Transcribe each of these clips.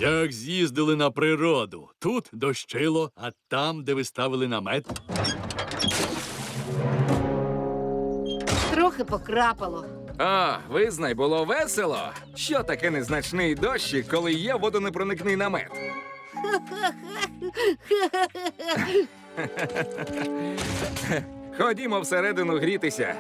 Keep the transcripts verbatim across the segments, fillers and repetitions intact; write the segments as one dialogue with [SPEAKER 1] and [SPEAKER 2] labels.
[SPEAKER 1] Як з'їздили на природу. Тут дощило, а там, де ви ставили намет.
[SPEAKER 2] Трохи покрапало.
[SPEAKER 3] О, визнай, було весело. Що таке незначний дощик, коли є водонепроникний намет? Ходімо всередину грітися.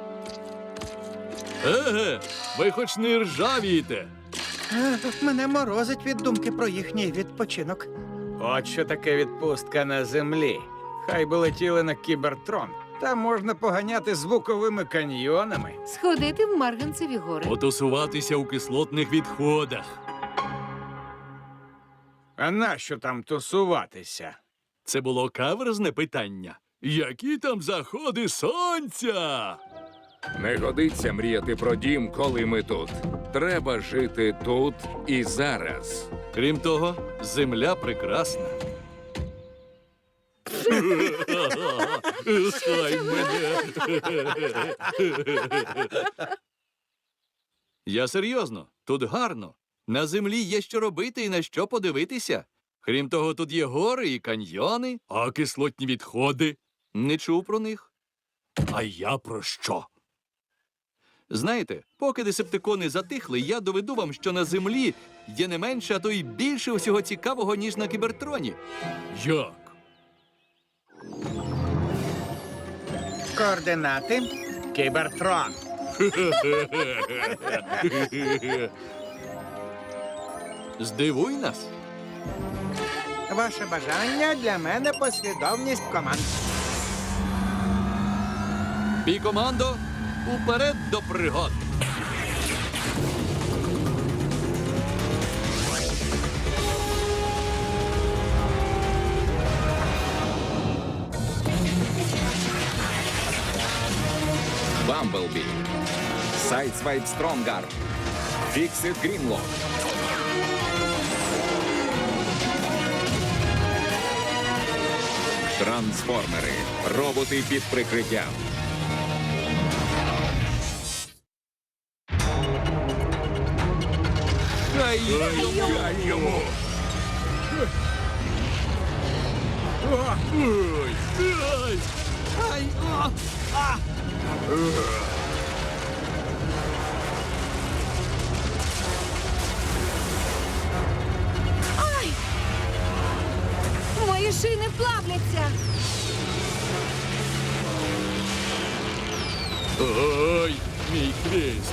[SPEAKER 1] Еге, ви хоч не ржавієте.
[SPEAKER 4] Е, Мене морозить від думки про їхній відпочинок.
[SPEAKER 5] От що таке відпустка на землі. Хай би летіли на Кібертрон. Там можна поганяти звуковими каньйонами.
[SPEAKER 2] Сходити в Марганцеві гори.
[SPEAKER 1] Потусуватися у кислотних відходах.
[SPEAKER 5] А нащо там тусуватися?
[SPEAKER 1] Це було каверзне питання. Які там заходи сонця?
[SPEAKER 3] Не годиться мріяти про дім, коли ми тут. Треба жити тут і зараз.
[SPEAKER 1] Крім того, земля прекрасна. Хай мене. Я серйозно, тут гарно. На землі є що робити і на що подивитися. Крім того, тут є гори і каньйони, а кислотні відходи. Не чув про них. А я про що? Знаєте, поки десептикони затихли, я доведу вам, що на землі є не менше, а то й більше усього цікавого, ніж на Кібертроні. Як?
[SPEAKER 4] Координати.
[SPEAKER 5] Кібертрон.
[SPEAKER 1] Здивуй нас.
[SPEAKER 4] Ваше бажання для мене послідовність команд.
[SPEAKER 1] Бій командо, уперед до пригод.
[SPEAKER 3] Бамблбі. Сайдсвайп Стронгар. Фіксит Грінлок. Трансформери. Роботи під прикриттям.
[SPEAKER 1] Хай йому! Ой! Ай! Ай! А! А!
[SPEAKER 2] Ай! Мої шини плавляться.
[SPEAKER 1] Ой! Мій хвіст!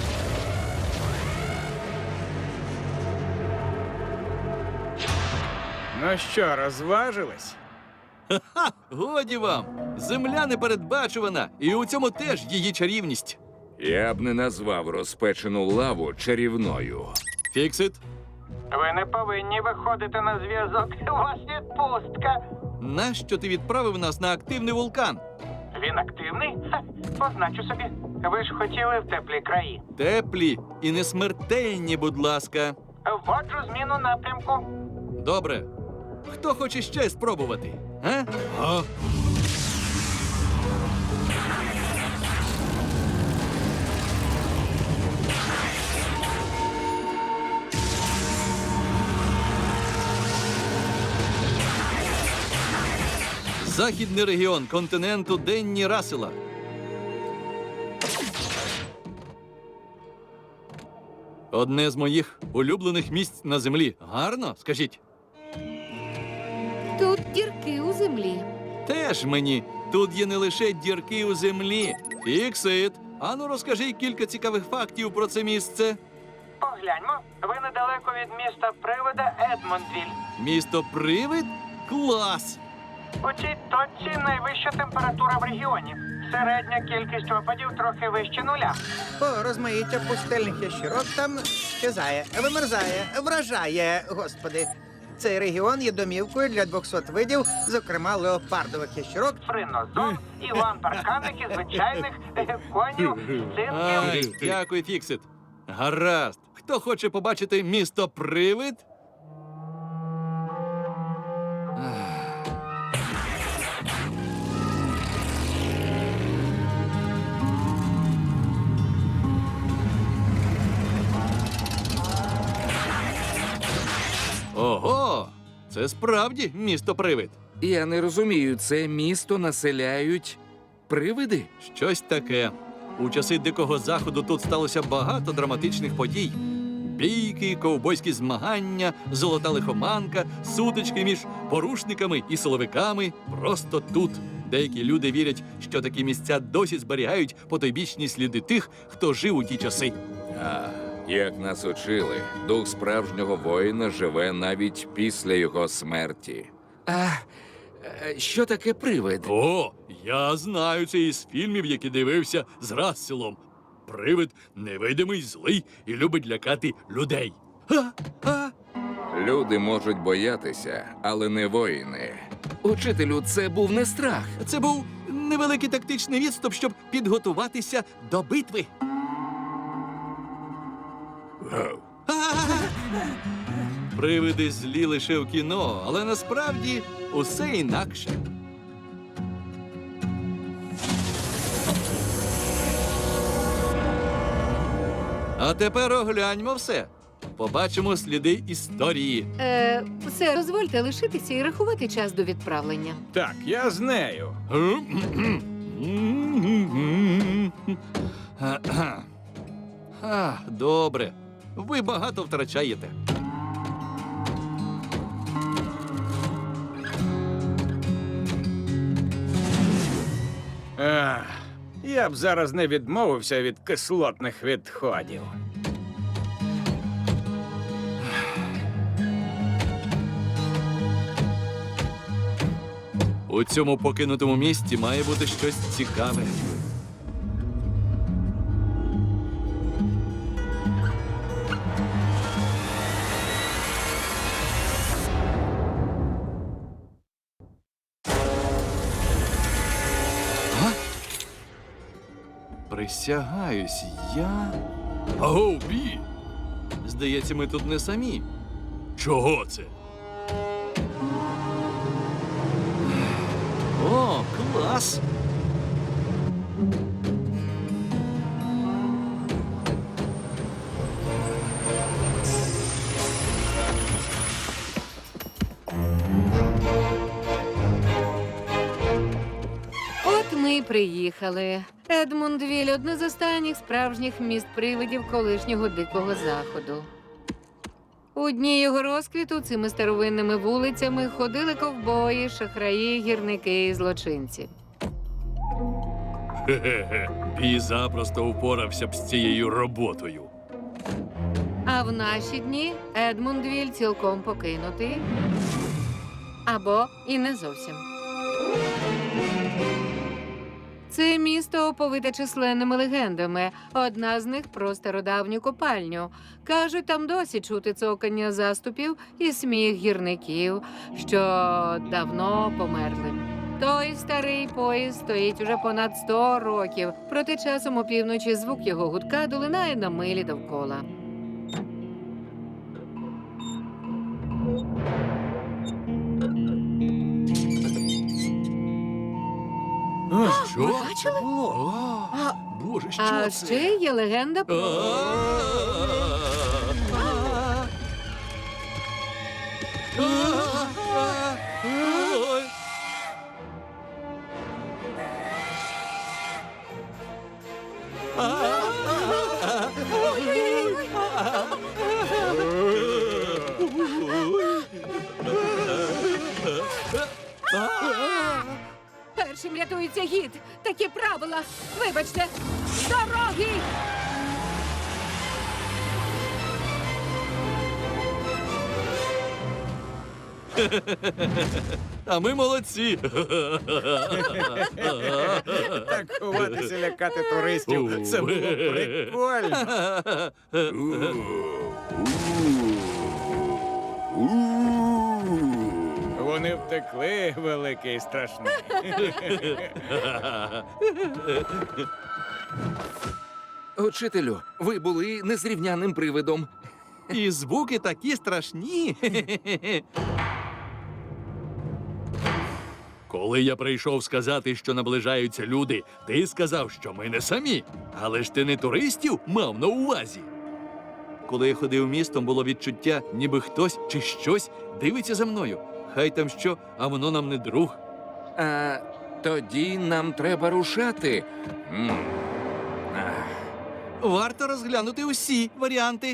[SPEAKER 5] Ну що, розважились?
[SPEAKER 1] Ха! Годі вам! Земля непередбачувана, і у цьому теж її чарівність.
[SPEAKER 3] Я б не назвав розпечену лаву чарівною.
[SPEAKER 1] Фіксит,
[SPEAKER 6] Ви не повинні виходити на зв'язок. У вас відпустка.
[SPEAKER 1] нащо ти відправив нас на активний вулкан?
[SPEAKER 6] Він активний? Ха, позначу собі. Ви ж хотіли в теплі краї.
[SPEAKER 1] Теплі і не смертельні, будь ласка.
[SPEAKER 6] Вводжу зміну напрямку.
[SPEAKER 1] Добре. Хто хоче ще спробувати? А? А? Західний регіон континенту Денні Рассела. Одне з моїх улюблених місць на землі. Гарно, скажіть?
[SPEAKER 2] Тут дірки у землі.
[SPEAKER 1] Теж мені. Тут є не лише дірки у землі. Фіксит, ану розкажи кілька цікавих фактів про це місце.
[SPEAKER 6] Погляньмо. Ви недалеко від міста привода Едмондвіль.
[SPEAKER 1] Місто Привид? Клас!
[SPEAKER 6] У цій точці найвища температура в регіоні. Середня кількість опадів трохи вище нуля.
[SPEAKER 4] О, розмаїття пустельних ящерок там щезає, вимерзає, вражає, господи. Цей регіон є домівкою для двохсот видів, зокрема леопардових ящерок.
[SPEAKER 6] Фринозон, іван парканик і звичайних е, конів,
[SPEAKER 1] Ай,
[SPEAKER 6] цинків.
[SPEAKER 1] дякую, Фіксит. Гаразд. Хто хоче побачити місто Привид? Ого, це справді місто-привид.
[SPEAKER 3] Я не розумію, це місто населяють привиди?
[SPEAKER 1] Щось таке. У часи Дикого Заходу тут сталося багато драматичних подій. Бійки, ковбойські змагання, золота лихоманка, сутички між порушниками і силовиками. Просто тут. Деякі люди вірять, що такі місця досі зберігають потойбічні сліди тих, хто жив у ті часи.
[SPEAKER 3] А, як нас учили, дух справжнього воїна живе навіть після його смерті. А е, що таке привид?
[SPEAKER 1] О, я знаю це із фільмів, які дивився з Расселом. Привид невидимий, злий і любить лякати людей. Ха, ха.
[SPEAKER 3] Люди можуть боятися, але не воїни. Учителю, це був не страх.
[SPEAKER 1] Це був невеликий тактичний відступ, щоб підготуватися до битви. Привиди злі лише в кіно, але насправді усе інакше. А тепер огляньмо все. Побачимо сліди історії.
[SPEAKER 2] Е, все, дозвольте лишитися і рахувати час до відправлення.
[SPEAKER 5] Так, я з нею.
[SPEAKER 1] А, добре. Ви багато втрачаєте.
[SPEAKER 5] Ах, я б зараз не відмовився від кислотних відходів.
[SPEAKER 1] У цьому покинутому місті має бути щось цікаве. А? Присягаюсь, я. Аго, Бі! Здається, ми тут не самі. Чого це? О, клас!
[SPEAKER 2] От ми й приїхали. Едмундвіль – одне з останніх справжніх міст привидів колишнього Дикого Заходу. У дні його розквіту цими старовинними вулицями ходили ковбої, шахраї, гірники і злочинці.
[SPEAKER 1] Хе-хе-хе. Бі запросто упорався б з цією роботою.
[SPEAKER 2] А в наші дні Едмундвіль цілком покинутий. Або і не зовсім. Це місто оповите численними легендами. Одна з них про стародавню копальню. Кажуть, там досі чути цокання заступів і сміх гірників, що давно померли. Той старий поїзд стоїть уже понад сто років, проте часом опівночі звук його гудка долинає на милі довкола.
[SPEAKER 1] Що?
[SPEAKER 2] Ви бачили?
[SPEAKER 1] О,
[SPEAKER 2] А,
[SPEAKER 1] Боже, що
[SPEAKER 2] а
[SPEAKER 1] це?
[SPEAKER 2] ще є легенда про...
[SPEAKER 1] Ой.
[SPEAKER 2] Першим рятується гід. Такі правила. Вибачте. Дороги!
[SPEAKER 1] А ми молодці.
[SPEAKER 5] Так ховатися, лякати туристів. Це було прикольно. Вони втекли, великий і страшний.
[SPEAKER 3] Учителю, ви були незрівняним привидом.
[SPEAKER 1] І звуки такі страшні. Коли я прийшов сказати, що наближаються люди, ти сказав, що ми не самі. Але ж ти не туристів мав на увазі. Коли я ходив містом, було відчуття, ніби хтось чи щось дивиться за мною. Хай там що, а воно нам не друг.
[SPEAKER 3] А тоді нам треба рушати. М. Ах.
[SPEAKER 1] Варто розглянути усі варіанти.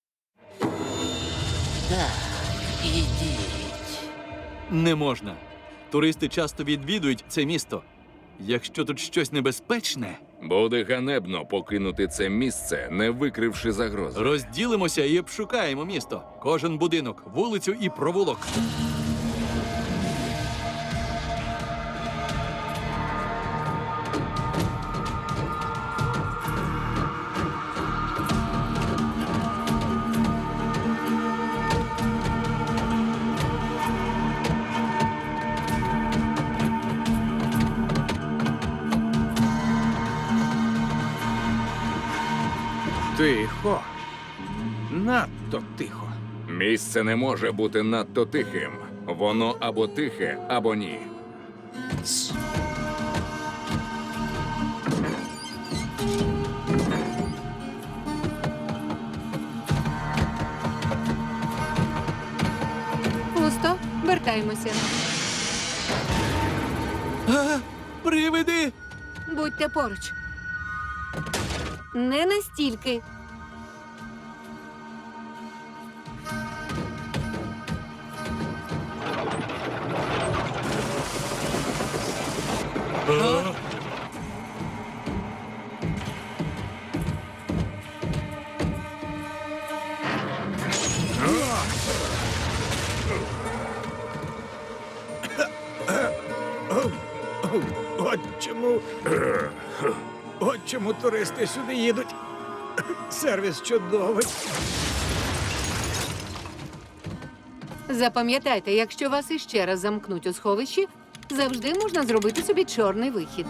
[SPEAKER 1] Не можна. Туристи часто відвідують це місто. Якщо тут щось небезпечне,
[SPEAKER 3] Буде ганебно покинути це місце, не викривши загрози.
[SPEAKER 1] розділимося і обшукаємо місто. Кожен будинок, вулицю і провулок.
[SPEAKER 5] Тихо. Надто тихо.
[SPEAKER 3] Місце не може бути надто тихим. Воно або тихе, або ні.
[SPEAKER 2] Пусто, вертаємося.
[SPEAKER 1] А, привиди!
[SPEAKER 2] Будьте поруч. Не настільки.
[SPEAKER 1] А?
[SPEAKER 5] От чому. От чому туристи сюди їдуть. Сервіс чудовий.
[SPEAKER 2] Запам'ятайте, якщо вас іще раз замкнуть у сховищі, завжди можна зробити собі чорний вихід.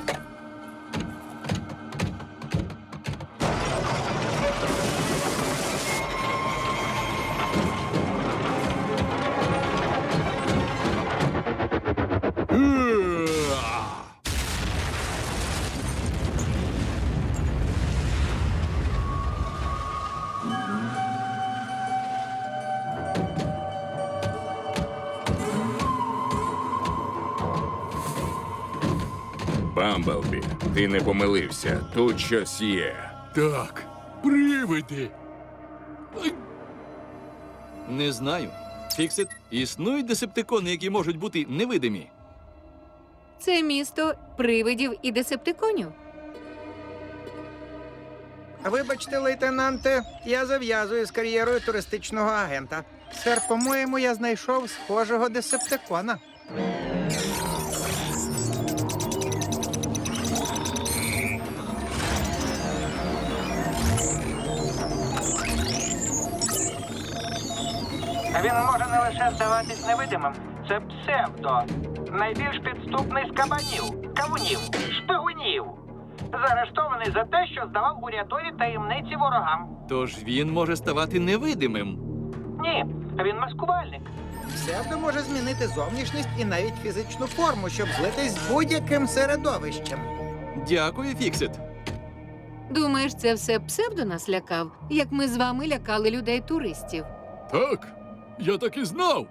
[SPEAKER 3] Бамблбі, ти не помилився. Тут щось є.
[SPEAKER 1] Так, привиди. Ай. Не знаю. Фіксит, існують десептикони, які можуть бути невидимі.
[SPEAKER 2] Це місто привидів і десептиконів.
[SPEAKER 4] Вибачте, лейтенанте, я зав'язую з кар'єрою туристичного агента. Сер, по-моєму, я знайшов схожого десептикона.
[SPEAKER 6] Він може не лише здаватись невидимим, це псевдо. Найбільш підступний з кабанів, кавунів, шпигунів. Заарештований за те, що здавав урядові таємниці ворогам.
[SPEAKER 1] Тож він може ставати невидимим.
[SPEAKER 6] Ні, він маскувальник.
[SPEAKER 4] Псевдо може змінити зовнішність і навіть фізичну форму, щоб злитись з будь-яким середовищем.
[SPEAKER 1] Дякую, Фіксит.
[SPEAKER 2] Думаєш, це все псевдо нас лякав, як ми з вами лякали людей-туристів?
[SPEAKER 1] Так, я так і знав.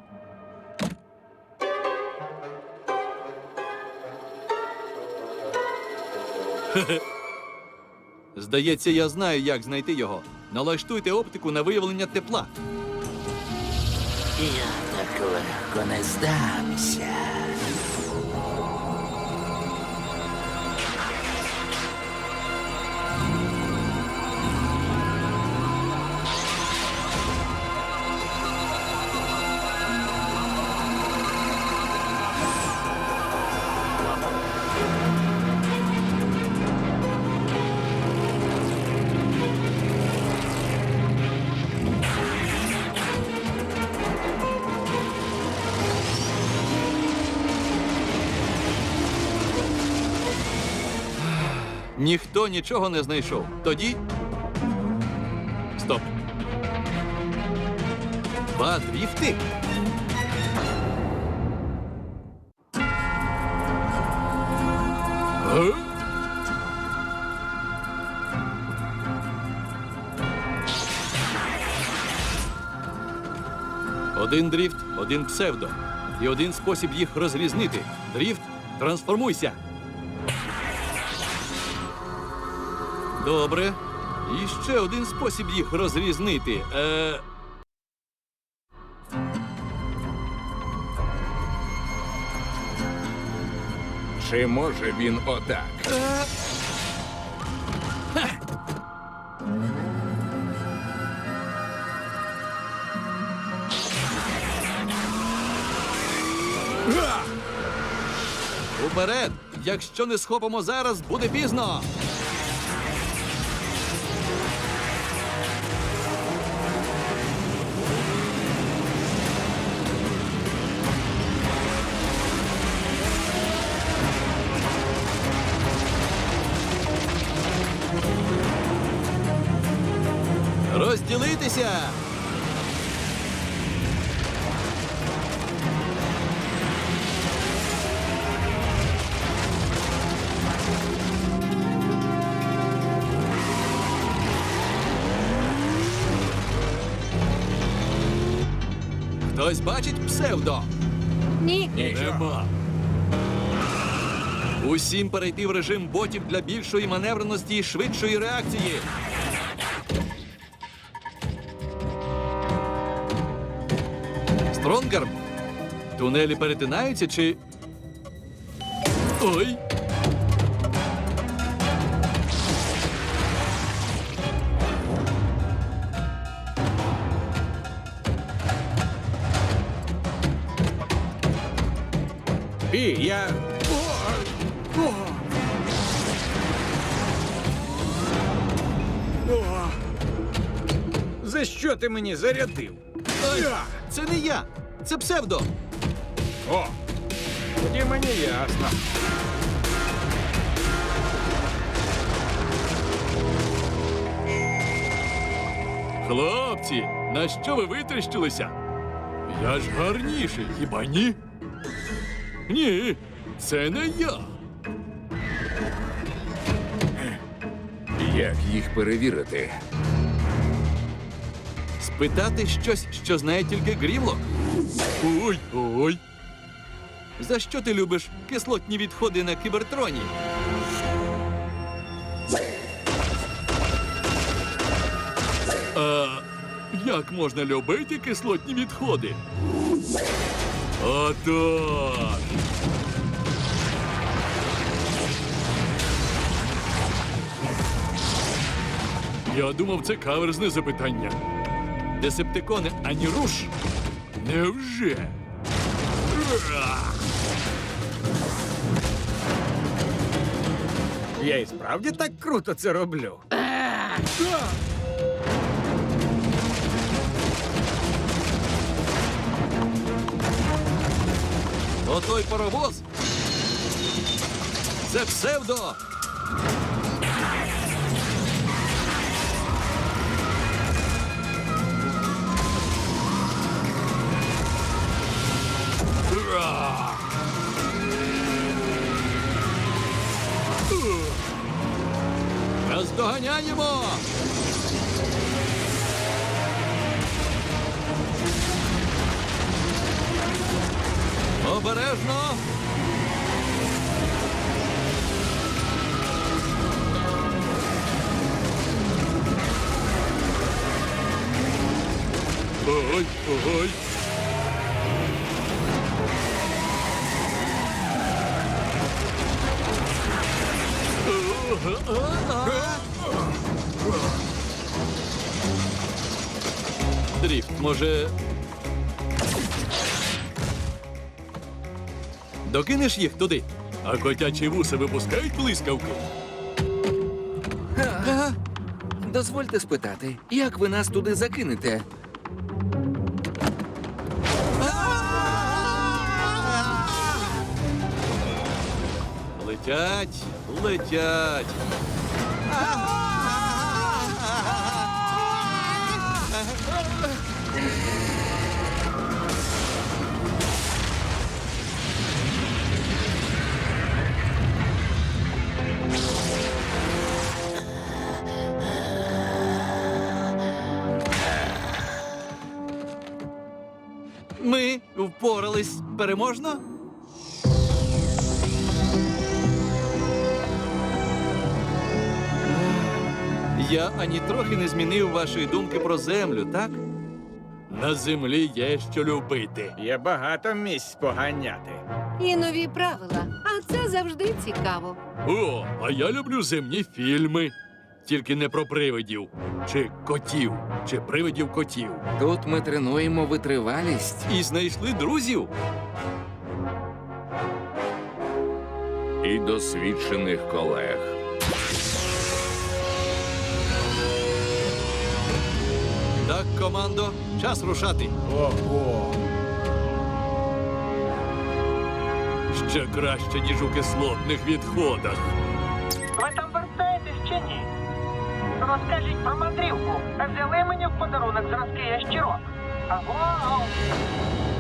[SPEAKER 1] Хе-хе. Здається, я знаю, як знайти його. Налаштуйте оптику на виявлення тепла.
[SPEAKER 7] Я так легко не здамся.
[SPEAKER 1] Ніхто нічого не знайшов. Тоді. Стоп. Два дріфти. Е? Один дріфт, один псевдо. І один спосіб їх розрізнити. Дріфт, трансформуйся. Добре. І ще один спосіб їх розрізнити. Е...
[SPEAKER 3] Чи може він отак?
[SPEAKER 1] Уперед! Якщо не схопимо зараз, буде пізно. Розділитися! Хтось бачить псевдо?
[SPEAKER 2] Ні.
[SPEAKER 1] Нема. Усім перейти в режим ботів для більшої маневреності і швидшої реакції. Стронгарм? Тунелі перетинаються чи. Ой!
[SPEAKER 5] Пі, я. О! О! О! За що ти мені зарядив?
[SPEAKER 1] Ой! Це не я! Це псевдо!
[SPEAKER 5] О! Тоді мені ясно.
[SPEAKER 1] Хлопці, на що ви витріщилися? Я ж гарніший, хіба ні? Ні, це не я.
[SPEAKER 3] Як їх перевірити?
[SPEAKER 1] Спитати щось, що знає тільки Грімлок? Ой, ой. За що ти любиш кислотні відходи на кібертроні? А як можна любити кислотні відходи? Отож. Я думав, це каверзне запитання. Десептикони ані руш? Невже? Ура!
[SPEAKER 5] Я і справді так круто це роблю.
[SPEAKER 1] Отой паровоз? Це псевдо! Ура! Ух! Наздоганяємо! Обережно! Ой, ой. Дріфт, може. Докинеш їх туди, а котячі вуси випускають блискавки.
[SPEAKER 3] Ага. Дозвольте спитати, як ви нас туди закинете?
[SPEAKER 1] Летять, летять. Ми впорались переможно? Я ані трохи не змінив вашої думки про землю, так? На землі є що любити.
[SPEAKER 5] Є багато місць поганяти.
[SPEAKER 2] І нові правила. А це завжди цікаво.
[SPEAKER 1] О, а я люблю земні фільми. Тільки не про привидів, чи котів, чи привидів котів.
[SPEAKER 3] Тут ми тренуємо витривалість.
[SPEAKER 1] І знайшли друзів.
[SPEAKER 3] І досвідчених колег.
[SPEAKER 1] Так, командо, час рушати.
[SPEAKER 5] Ого!
[SPEAKER 1] Ще краще, ніж у кислотних відходах.
[SPEAKER 6] Ви там вертаєтесь чи ні? Розкажіть про мандрівку. Взяли мені в подарунок зразки ящірок. Аго!